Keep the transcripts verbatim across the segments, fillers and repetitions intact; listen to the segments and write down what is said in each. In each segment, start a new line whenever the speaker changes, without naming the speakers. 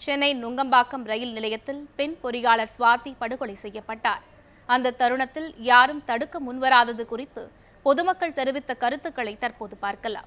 சென்னை நுங்கம்பாக்கம் ரயில் நிலையத்தில் பெண் பொறியாளர் சுவாதி படுகொலை செய்யப்பட்டார். அந்த தருணத்தில் யாரும் தடுக்க முன்வராதது குறித்து பொதுமக்கள் தெரிவித்த கருத்துக்களை தற்போது பார்க்கலாம்.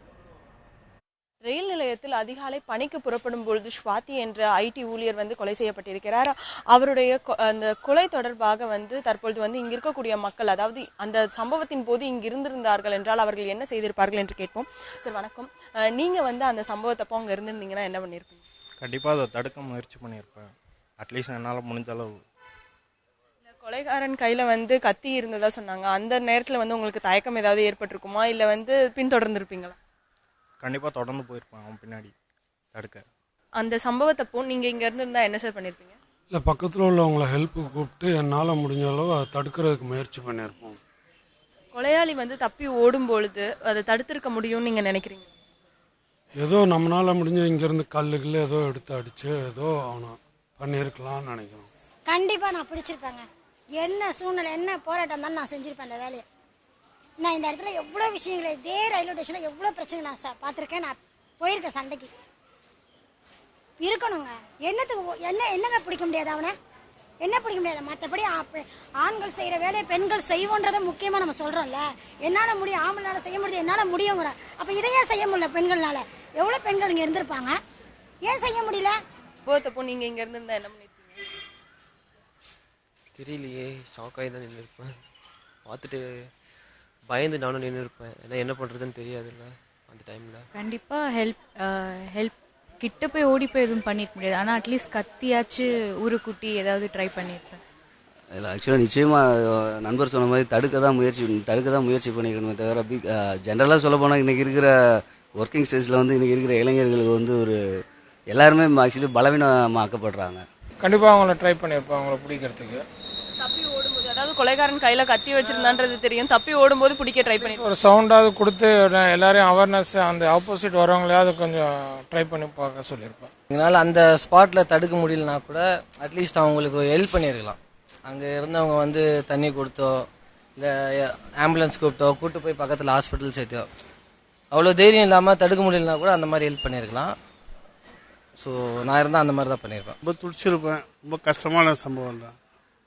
ரயில் நிலையத்தில் அதிகாலை பணிக்கு புறப்படும் பொழுது ஸ்வாதி என்ற ஐடி ஊழியர் வந்து கொலை செய்யப்பட்டிருக்கிறார். அவருடைய அந்த கொலை தொடர்பாக வந்து தற்பொழுது வந்து இங்க இருக்கக்கூடிய மக்கள், அதாவது அந்த சம்பவத்தின் போது இங்கு இருந்திருந்தார்கள் என்றால் அவர்கள் என்ன செய்திருப்பார்கள் என்று கேட்போம். சார் வணக்கம். நீங்க வந்து அந்த சம்பவத்தப்போ அங்க இருந்திருந்தீங்கன்னா என்ன பண்ணிருப்பீங்க?
கண்டிப்பா அதை தடுக்க முயற்சி பண்ணியிருப்பேன். அட்லீஸ்ட் என்னால முடிஞ்ச அளவு.
கொலைகாரன் கையில வந்து கத்தி இருந்ததா சொன்னாங்க. அந்த நேரத்துல வந்து உங்களுக்கு தயக்கம் ஏதாவது ஏற்பட்டிருக்குமா, இல்ல வந்து பின்தொடர்ந்து இருப்பீங்களா?
கண்டிப்பா தொடர்ந்து போயிருப்பேன் அவன் பின்னாடி தடுக்க.
அந்த சம்பவத்தப்போ நீங்க இங்க இருந்திருந்தா என்ன சார் பண்ணிருப்பீங்க?
இல்லை, பக்கத்தில் உள்ளவங்களை ஹெல்ப்புக்கு கூப்பிட்டு என்னால் முடிஞ்ச அளவு அதை தடுக்கிறதுக்கு முயற்சி பண்ணியிருப்போம்.
கொலையாளி வந்து தப்பி ஓடும் பொழுது அதை தடுத்திருக்க முடியும்னு நீங்க நினைக்கிறீங்க?
ஏதோ நம்மளால் முடிஞ்ச இங்கேருந்து கல்லுக்குள்ள ஏதோ எடுத்து அடித்து ஏதோ அவனை பண்ணியிருக்கலாம்னு நினைக்கிறோம்.
கண்டிப்பாக நான் பிடிச்சிருப்பேங்க. என்ன சூழ்நிலை, என்ன போராட்டம் தான் நான் செஞ்சுருப்பேன். அந்த வேலையை நான் இந்த இடத்துல எவ்வளோ விஷயங்களை, இதே ரயில்வே ஸ்டேஷனில் எவ்வளோ பிரச்சனை நான் சா பார்த்துருக்கேன். நான் போயிருக்கேன் சண்டைக்கு. இருக்கணுங்க. என்னத்துக்கு என்ன என்னங்க பிடிக்க முடியாது அவனை? என்ன பிடிக்க முடியாது? மற்றபடி ஆண்கள் செய்கிற வேலையை பெண்கள் செய்வோன்றதை முக்கியமாக நம்ம சொல்கிறோம்ல. என்னால் முடியும், ஆம்பளால் செய்ய முடியும், என்னால் முடியுங்கிற. அப்போ இதையே செய்ய முடியல பெண்கள்னால? எவ்வளோ பெண்கள் இங்கே இருந்திருப்பாங்க, ஏன் செய்ய முடியல?
போத்தப்போ நீங்கள் இங்கே இருந்திருந்தா என்ன பண்ணிருப்பீங்க?
தெரியலையே, ஷாக்காகி தான் நின்று இருப்பேன். பார்த்துட்டு பயந்து நானும் நின்று இருப்பேன். ஏன்னா என்ன பண்ணுறதுன்னு தெரியாதுல்ல அந்த டைமில்.
கண்டிப்பாக ஹெல்ப் ஹெல்ப் கிட்ட போய் ஓடி போய் எதுவும் பண்ணிக்க முடியாது. ஆனால் அட்லீஸ்ட் கத்தியாச்சு ஊருக்குட்டி ஏதாவது ட்ரை பண்ணியிருப்பேன்.
அதில் ஆக்சுவலாக நிச்சயமாக நண்பர் சொன்ன மாதிரி தடுக்க தான் முயற்சி தடுக்க தான் முயற்சி பண்ணிக்கணுமே தவிர, பி ஜென்ரலாக சொல்ல போனால் இன்றைக்கி இருக்கிற ஒர்க்கிங் ஸ்டேஜில் வந்து இன்றைக்கி இருக்கிற இளைஞர்களுக்கு வந்து ஒரு எல்லாருமே ஆக்சுவலி பலவீனமாக்கப்படுறாங்க.
கண்டிப்பாக அவங்கள ட்ரை பண்ணியிருப்பேன் அவங்கள பிடிக்கிறதுக்கு.
தப்பி ஓடும்போது, அதாவது கொலைகாரன் கையில கத்தி வச்சிருந்தான்றது தெரியும், தப்பி ஓடும்போது பிடிக்க ட்ரை பண்ணி
ஒரு சவுண்டாவது கொடுத்து எல்லாரையும் அவேர்னஸ், அந்த ஆப்போசிட் வரவங்களையாவது கொஞ்சம் ட்ரை பண்ணி பார்க்க சொல்லியிருப்பேன்.
எங்களால் அந்த ஸ்பாட்டில் தடுக்க முடியலனா கூட அட்லீஸ்ட் அவங்களுக்கு ஹெல்ப் பண்ணியிருக்கலாம். அங்கே இருந்தவங்க வந்து தண்ணி கொடுத்தோ, இந்த ஆம்புலன்ஸ் கூப்பிட்டோ, கூப்பிட்டு போய் பக்கத்தில் ஹாஸ்பிட்டல் சேர்த்தோ, அவ்வளோ தைரியம் இல்லாமல் தடுக்க முடியலனா கூட அந்த மாதிரி ஹெல்ப் பண்ணியிருக்கலாம். ஸோ நான் இருந்தால் அந்த மாதிரி தான் பண்ணியிருப்பேன்.
ரொம்ப துடிச்சிருப்பேன். ரொம்ப கஷ்டமான சம்பவம் தான்.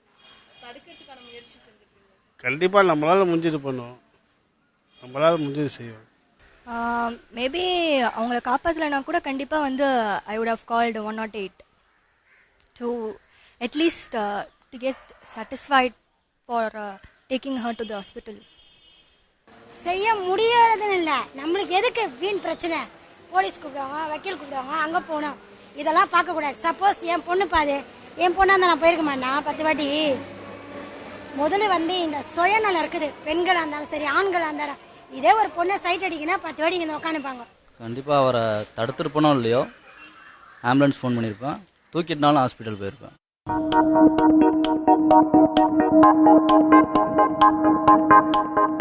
கண்டிப்பாக நம்மளால் முடிஞ்சது பண்ணுவோம், நம்மளால் முடிஞ்சது செய்வோம்.
மேபி அவங்கள காப்பாற்றலைனா கூட கண்டிப்பாக வந்து I would have called one nought eight to at least to get satisfied for taking her to the hospital.
செய்ய முடியாதுன்னு இல்லை, நம்மளுக்கு எதுக்கு வீண் பிரச்சனை? போலீஸ் கூப்பிடுவாங்க, வக்கீல் கூப்பிடுவாங்க, அங்கே போகணும். இதெல்லாம் பார்க்கக்கூடாது. சப்போஸ் என் பொண்ணு பாது, என் பொண்ணாக இருந்தால் நான் போயிருக்க மாட்டேன் பத்து வாட்டி. முதல்ல வந்து இந்த சுயநலம் இருக்குது. பெண்களாக இருந்தாலும் சரி, ஆண்களாக இருந்தாலும், இதே ஒரு பொண்ணை சைட் அடிக்குன்னா பத்து வாட்டி இங்கே உட்காந்துப்பாங்க.
கண்டிப்பாக அவரை தடுத்துருப்பனோ இல்லையோ ஆம்புலன்ஸ் ஃபோன் பண்ணியிருப்பேன், தூக்கிட்டுனாலும் ஹாஸ்பிட்டல் போயிருப்பேன்.